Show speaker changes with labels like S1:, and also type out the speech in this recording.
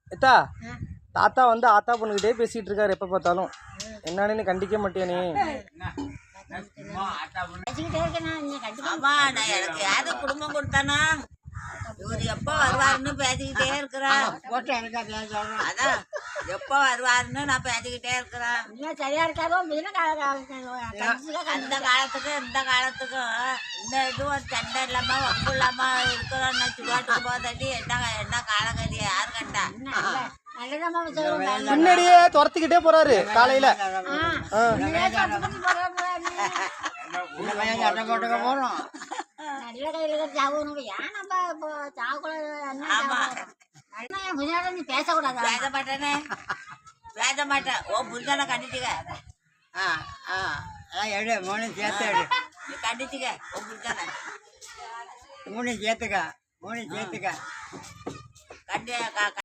S1: எத்தா தாத்தா வந்து ஆத்தா பொண்ணுகிட்டே பேசிட்டு இருக்காரு எப்ப பார்த்தாலும். என்னன்னு நீ கண்டிக்க மாட்டியா நீ?
S2: எனக்கு யாரு குடும்பம் கொடுத்தானா இவர் எப்ப வருவாருன்னு பேசிக்கிட்டே இருக்கிறேன். அதான் எப்ப வருவாருன்னு நான் பேசிக்கிட்டே இருக்கிறேன்.
S3: சரியா இருக்காதோ
S2: அந்த காலத்துக்கும் இந்த காலத்துக்கும் இந்த இதுவும் சண்டை இல்லாம வம்பு இல்லாம இருக்கிறோம். சுடுகாட்டுக்கு போதாட்டி என்ன காலகதி யாரு கண்டா?
S1: முன்னாடியே துரத்திக்கிட்டே போறாரு காலையில.
S3: போறோம் நல்ல கையில சாவணும். ஏன் நம்ம சாவக்கூடாது? பேசக்கூடாது.
S2: பேச மாட்டேனே, பேச மாட்டேன். ஓ புருஷனை கண்டிச்சுக்க.
S4: எடு மூணு சேர்த்து எடு.
S2: நீ கண்டிச்சுக்க ஓ புருஷனை.
S4: மூணு சேர்த்துக்க கண்டி